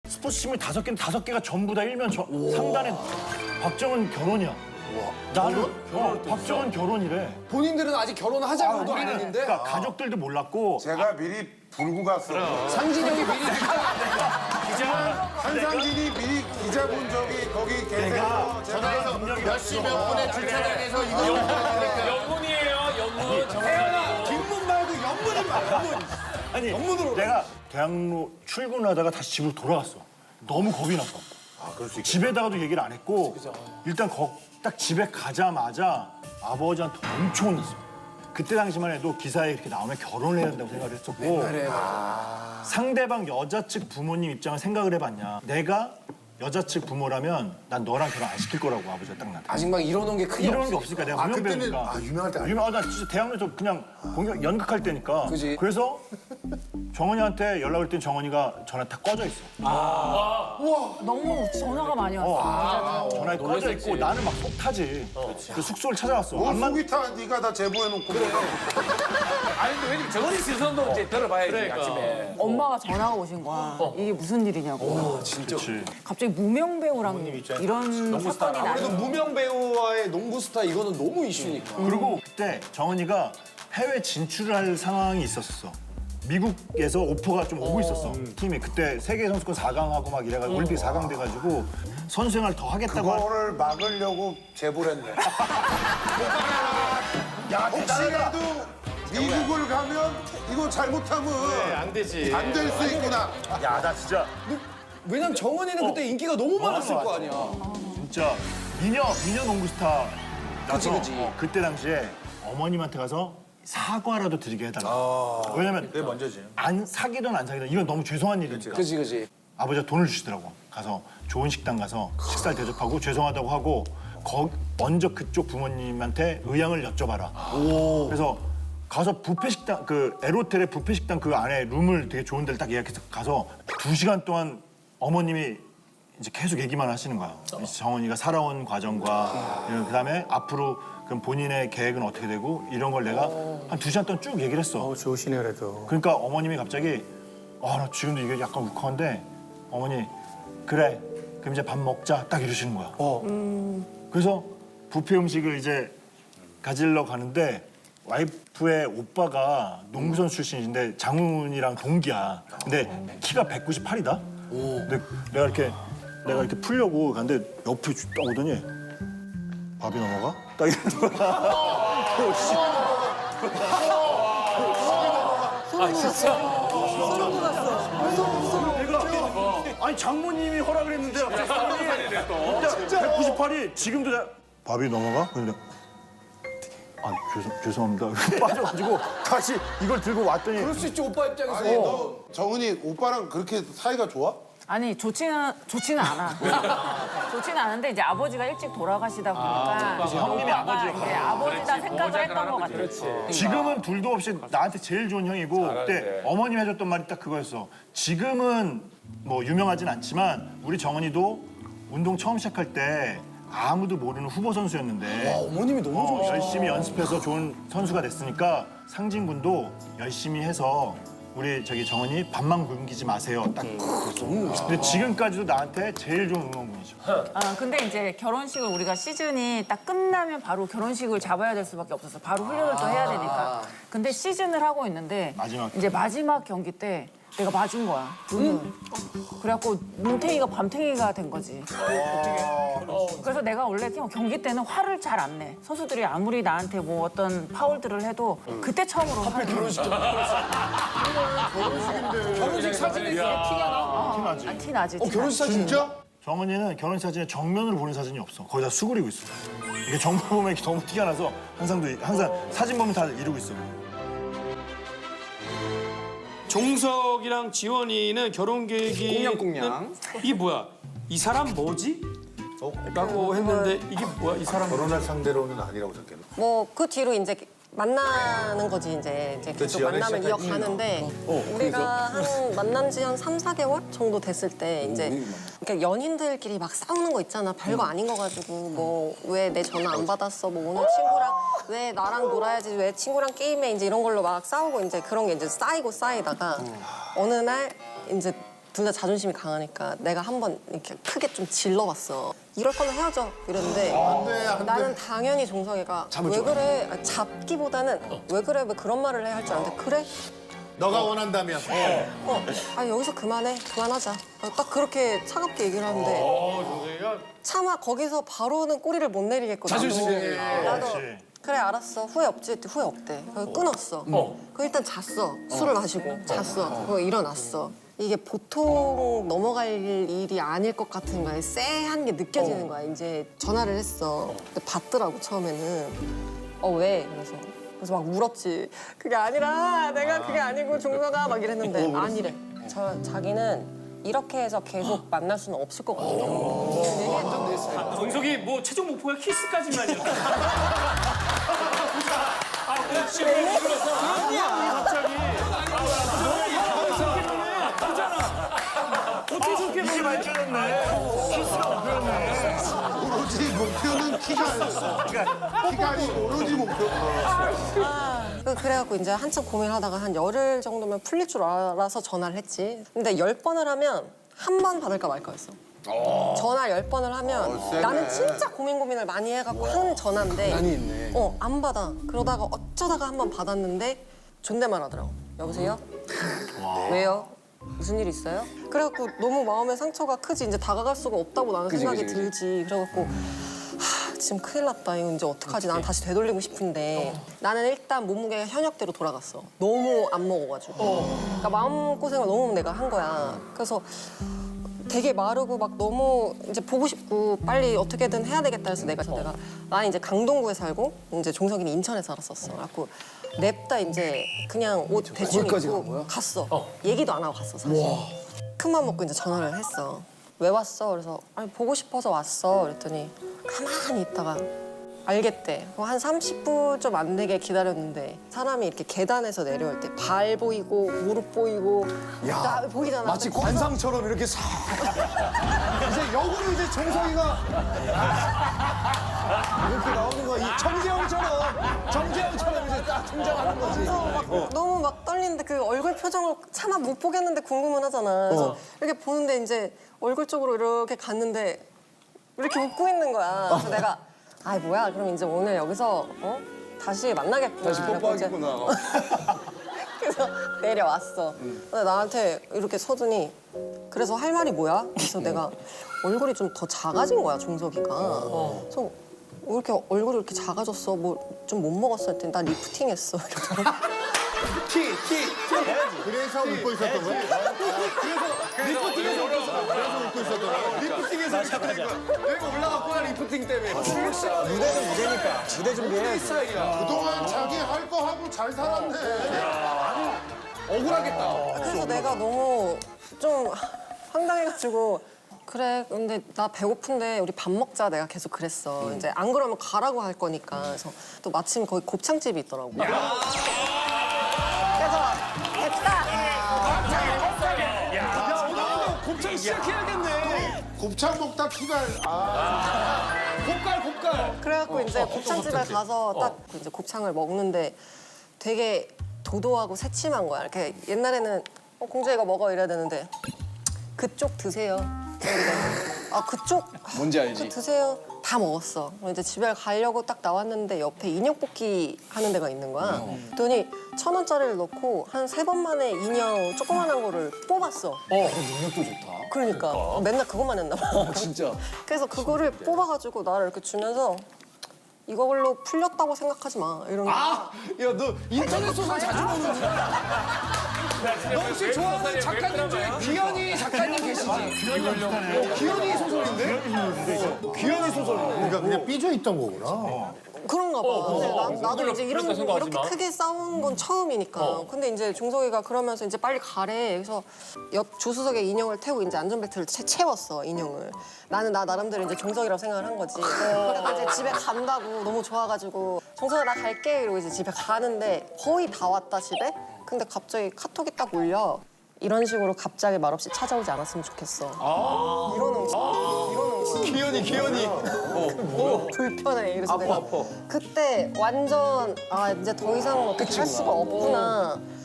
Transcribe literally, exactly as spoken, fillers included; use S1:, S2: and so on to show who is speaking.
S1: 스포츠 신문 다섯 개는 다섯 개가 전부 다 일면 저, 상단에 박정은 결혼이야. 나는 어, 박정은 결혼이래.
S2: 본인들은 아직 결혼하자고도 안 했는데
S1: 그러니까 가족들도 몰랐고
S3: 제가 미리 불고 갔어.
S2: 상진이 형이 미리
S3: 한상진이 미리 기자 본 적이 거기 계세요. 제가
S4: 몇시 몇 분에 주차장에서 이거
S5: 연문이에요, 연문.
S2: 태연아 뒷문 말고 옆문이 말 옆문.
S1: 아니
S2: 전문으로
S1: 내가 대학로 출근하다가 다시 집으로 돌아갔어. 너무 겁이 났어.
S3: 아, 그럴 수 있겠다.
S1: 집에다가도 얘기를 안 했고 일단 거, 딱 집에 가자마자 아버지한테 엄청 혼났어. 그때 당시만 해도 기사에 이렇게 나오면 결혼을 해야 된다고 생각을 했었고 상대방 여자 측 부모님 입장을 생각을 해봤냐. 내가 여자 측 부모라면 난 너랑 결혼 안 시킬 거라고 아버지가 딱 나한테.
S2: 아직 막 이러는 게 크게
S1: 이러는 게
S2: 없어.
S1: 없으니까 내가
S3: 아,
S1: 무명
S3: 그때는
S1: 배우니까.
S3: 아, 유명할 때 아니야.
S1: 유명, 아, 나 진짜 대학로에서 그냥 공연 연극할 때니까.
S2: 그지.
S1: 그래서 정원이한테 연락 올 땐 정원이가 전화 다 꺼져 있어.
S6: 너무 전화가 많이 왔어.
S1: 전화에 꺼져 있고 나는 막 속 타지. 그 숙소를 찾아갔어.
S3: 뭐
S1: 안만
S3: 속이 타 네가 다 제보해놓고.
S5: 아니, 근데 왜냐면 정원이 시선도 이제 들어봐야지, 아침에.
S6: 엄마가 전화가 오신 거야. 이게 무슨 일이냐고.
S1: 그렇지.
S6: 갑자기 무명 배우랑 이런 사건이
S2: 그래도
S6: 나는
S2: 무명 배우와의 농구 스타 이거는 너무 이슈니까.
S1: 그리고 그때 정원이가 해외 진출을 할 상황이 있었어. 미국에서 오퍼가 좀 오고 있었어. 팀이 그때 세계 선수권 사 강하고 막 이래가지고 올림픽 사 강 돼가지고 선수 생활 더 하겠다고. 할-
S3: 그거를 막으려고 제보를 했네. 야, 혹시라도 미국을 가면 이거 잘못하면
S4: 안 되지.
S3: 안 될 수 있구나.
S1: 야, 나 진짜
S2: 왜냐면 정원이는 그때 인기가 너무 많았을 거 아니야.
S1: 진짜 미녀 미녀 농구 스타.
S2: 그치,
S1: 나서,
S2: 그치.
S1: 어, 그때 당시에 어머님한테 가서 사과라도 드리게 해달라. 왜냐면
S3: 그게 먼저지.
S1: 안 사기든 안 사기든 이건 너무 죄송한 일이니까.
S2: 그지 그지.
S1: 아버지가 돈을 주시더라고. 가서 좋은 식당 가서 식사를 대접하고 죄송하다고 하고 거, 먼저 그쪽 부모님한테 의향을 여쭤봐라. 그래서 가서 뷔페 식당 그 에로텔의 뷔페 식당 그 안에 룸을 되게 좋은 데를 딱 예약해서 가서 두 시간 동안 어머님이 이제 계속 얘기만 하시는 거야. 정원이가 살아온 과정과 이런 그다음에 앞으로 그럼 본인의 계획은 어떻게 되고 이런 걸 내가 한 두 시간 동안 쭉 얘기를 했어.
S4: 좋으시네 그래도.
S1: 그러니까 어머님이 갑자기 아, 나 지금도 이게 약간 울컥한데 어머니 그래 그럼 이제 밥 먹자 딱 이러시는 거야. 그래서 뷔페 음식을 이제 가지러 가는데 와이프의 오빠가 농구선수 출신인데 장훈이랑 동기야. 근데 키가 백구십팔이다. 근데 내가 이렇게 내가 이렇게 풀려고 가는데 옆에 딱 오더니 밥이 넘어가? 딱 이러는 거야. 어, 씨.
S5: 아, 진짜?
S1: 내가 아니 장모님이 허락을 했는데 진짜 백구십팔이 지금도 나- 밥이 넘어가? 근데 아 죄송 죄송합니다. 빠져가지고 다시 이걸 들고 왔더니
S2: 그럴 수 있지 오빠 입장에서.
S3: 아니, 너 정은이 오빠랑 그렇게 사이가 좋아?
S6: 아니 좋지는 좋지는 않아. 좋지는 않은데 이제 아버지가 일찍 돌아가시다 보니까
S1: 형님이
S6: 오빠가
S1: 아버지
S6: 이제 아버지다 생각을 했던 것 같아.
S1: 지금은 둘도 없이 나한테 제일 좋은 형이고 그때 어머님 해줬던 말이 딱 그거였어. 지금은 뭐 유명하진 않지만 우리 정은이도 운동 처음 시작할 때 아무도 모르는 후보 선수였는데
S2: 어머님이 너무
S1: 어,
S2: 좋으시다.
S1: 열심히 연습해서 좋은 선수가 됐으니까 상진 군도 열심히 해서 우리 저기 정은이 밥만 굶기지 마세요. 딱 그랬어. 근데 지금까지도 나한테 제일 좋은 응원군이죠.
S6: 아 근데 이제 결혼식을 우리가 시즌이 딱 끝나면 바로 결혼식을 잡아야 될 수밖에 없었어. 바로 훈련을 또 해야 되니까. 근데 시즌을 하고 있는데
S1: 마지막.
S6: 이제 마지막 경기 때 내가 맞은 거야. 눈을. 그래갖고 눈탱이가 밤탱이가 된 거지. 그래서 내가 원래 경기 때는 화를 잘 안 내. 선수들이 아무리 나한테 뭐 어떤 파울들을 해도 그때 처음으로 화를 내.
S2: 결혼식 좀. 결혼식 사진이 티가 나.
S1: 티나지.
S6: 아, 티 나지.
S2: 어
S6: 티
S2: 결혼식 사진
S3: 진짜?
S1: 정은이는 결혼 사진에 정면으로 보는 사진이 없어. 거의 다 수그리고 있어. 이게 정면 보면 이렇게 너무 티가 나서 항상 항상 사진 보면 다 이러고 있어.
S7: 종석이랑 지원이는 결혼 계획이
S2: 꽁냥꽁냥.
S7: 이게 뭐야? 이 사람 뭐지? 라고 했는데 이게 뭐야? 이 사람
S3: 결혼할 상대로는 아니라고 생각했나?
S8: 뭐 그 뒤로 이제 만나는 거지 이제 이제 계속
S3: 연애
S8: 만남을
S3: 시작할
S8: 이어가는데 우리가 한 만난 지 한 삼, 사 개월 정도 됐을 때 이제 그러니까 연인들끼리 막 싸우는 거 있잖아. 별거 아닌 거 가지고 뭐 왜 내 전화 안 받았어? 뭐 오늘 친구랑 왜 나랑 놀아야지? 왜 친구랑 게임해? 이제 이런 걸로 막 싸우고 이제 그런 게 이제 쌓이고 쌓이다가 어느 날 이제 둘 다 자존심이 강하니까 내가 한번 이렇게 크게 좀 질러봤어. 이럴 거면 헤어져 이랬는데
S3: 안 돼, 안 돼.
S8: 나는 당연히 종석이가 왜 그래? 아, 잡기보다는 왜 그래? 왜 그런 말을 해 할 줄 알았는데 그래?
S3: 너가 원한다면.
S8: 어, 아 여기서 그만해, 그만하자. 아, 딱 그렇게 차갑게 얘기를 하는데 차마 거기서 바로는 꼬리를 못 내리겠거든.
S2: 자존심이.
S8: 나도
S1: 그렇지.
S8: 그래 알았어 후회 없지 했더니 후회 없대. 그래서 끊었어. 그 일단 잤어. 술을 마시고 잤어. 그리고 일어났어. 이게 보통 넘어갈 일이 아닐 것 같은 거야. 쎄한 게 느껴지는 거야. 이제 전화를 했어. 근데 받더라고 처음에는. 어 왜? 그래서 그래서 막 울었지. 그게 아니라 내가 그게 아니고 종서가 막 이랬는데 아니래. 저 자기는 이렇게 해서 계속 만날 수는 없을 것 같아.
S7: 정석이 뭐 최종 목표가 키스까지만이었어. 아, 그렇지. 그래서 갑자기. 어떻게 저렇게
S1: 이게 밝혀졌네. 키스가 목표였네.
S3: 오로지 목표는 키가 아니었어. 키가 아니고 오로지 목표.
S8: 그- 그래갖고 이제 한참 고민하다가 한 열흘 정도면 풀릴 줄 알아서 전화를 했지. 근데 열 번을 하면 한 번 받을까 말까였어. 전화 열 번을 하면
S3: 어, 세네.
S8: 나는 진짜 고민 고민을 많이 해갖고 한 전화인데
S2: 많이 있네.
S8: 어, 안 받아. 그러다가 어쩌다가 한 번 받았는데 존댓말 하더라고. 여보세요? 왜요? 무슨 일 있어요? 그래갖고 너무 마음의 상처가 크지. 이제 다가갈 수가 없다고 나는 생각이
S2: 그지, 그지.
S8: 들지. 그래갖고 하, 지금 큰일 났다. 이거 이제 어떡하지? 난 다시 되돌리고 싶은데 나는 일단 몸무게가 현역대로 돌아갔어. 너무 안 먹어가지고. 그러니까 마음고생을 너무 내가 한 거야. 그래서 되게 마르고 막 너무 이제 보고 싶고 빨리 어떻게든 해야 되겠다 해서 내가 내가 나는 이제 강동구에 살고 이제 종석이는 인천에 살았었어. 그래갖고 냅다 이제 그냥 옷 대충
S2: 거기까지 간
S8: 입고
S2: 거야?
S8: 갔어. 얘기도 안 하고 갔어 사실. 큰맘 먹고 이제 전화를 했어. 왜 왔어? 그래서 아니 보고 싶어서 왔어. 그랬더니 가만히 있다가 알겠대. 그럼 한 삼십 분 좀 안 되게 기다렸는데 사람이 이렇게 계단에서 내려올 때 발 보이고 무릎 보이고 나 보이잖아.
S2: 마치
S8: 근데 거기서
S2: 관상처럼 이렇게 싹. 이제 역으로 이제 정석이가 이렇게 나오는 거야. 이 정재영처럼 정재영처럼 이제 딱 등장하는 거지.
S8: 막 너무 막 떨리는데 그 얼굴 표정을 차마 못 보겠는데 궁금은 하잖아. 그래서 이렇게 보는데 이제 얼굴 쪽으로 이렇게 갔는데 이렇게 웃고 있는 거야. 그래서 내가 아이 뭐야 그럼 이제 오늘 여기서 어? 다시 만나겠구나.
S2: 다시
S8: 그래갖고 이제
S2: 뽀뽀하겠구나.
S8: 그래서 내려왔어. 근데 나한테 이렇게 서더니 그래서 할 말이 뭐야? 그래서 내가 얼굴이 좀 더 작아진 거야 종석이가. 그래서 왜 이렇게 얼굴이 이렇게 작아졌어? 뭐 좀 못 먹었어? 했더니 나 리프팅했어. 이러더라고.
S2: 키, 키, 키.
S3: 그래서 웃고 있었던 거야?
S2: 리프팅에서
S3: 그래서 웃고 있었던 거야?
S2: 리프팅에서 여기가 올라갔구나 리프팅 때문에.
S4: 무대는 무대니까 무대 준비해야지.
S2: 스타일이야.
S3: 그동안 자기 할 거 하고 잘 살았네.
S2: 억울하겠다.
S8: 그래서 내가 너무 좀 황당해가지고 그래 근데 나 배고픈데 우리 밥 먹자 내가 계속 그랬어. 이제 안 그러면 가라고 할 거니까. 그래서 또 마침 거기 곱창집이 있더라고. 그래서 됐다.
S2: 야, 오늘 곱창 시작해야겠네.
S3: 곱창 먹다 키가 아.
S2: 곱갈, 곱갈.
S8: 그래갖고 이제 곱창집에 가서 딱 이제 곱창을 먹는데 되게 도도하고 새침한 거야. 이렇게 옛날에는 어, 공주 이거 먹어 이래야 되는데 그쪽 드세요. 그러니까 아 그쪽
S2: 뭔지 알지?
S8: 그 드세요. 다 먹었어. 그럼 이제 집에 가려고 딱 나왔는데 옆에 인형 뽑기 하는 데가 있는 거야. 그랬더니 천 원짜리를 넣고 한 세 번 만에 인형 조그만한 거를 뽑았어.
S2: 능력도 좋다.
S8: 그러니까 맨날 그것만 했나 봐.
S2: 진짜.
S8: 그래서 그거를 뽑아가지고 나를 이렇게 주면서 이걸로 풀렸다고 생각하지 마. 이런 거.
S2: 아, 야, 너 인터넷 소설 자주 보는구나. 너 혹시 좋아하는 작가님 중에 귀현이 작가님 계시지? 어, 귀현이 소설인데? 어, 귀현이 소설인데?
S3: 그러니까 그냥 삐져 있던 거구나.
S8: 그런가 봐. 근데 나, 나도 이제 이런
S5: 풀렸다
S8: 거 이렇게
S5: 생각하지 마.
S8: 크게 싸운 건 처음이니까. 근데 이제 종석이가 그러면서 이제 빨리 가래. 그래서 옆 조수석에 인형을 태우고 이제 안전벨트를 채, 채웠어 인형을. 나는 나 나름대로 이제 종석이라고 생각을 한 거지. 그래서 이제 집에 간다고 너무 좋아가지고 종석아 나 갈게 이러고 이제 집에 가는데 거의 다 왔다 집에. 근데 갑자기 카톡이 딱 울려. 이런 식으로 갑자기 말없이 찾아오지 않았으면 좋겠어. 이러는 거. 이러는 거.
S2: 귀현이, 귀현이.
S8: 불편해. 그래서 내가 그때 완전 아 이제 더 이상 어떻게 할 수가 없구나.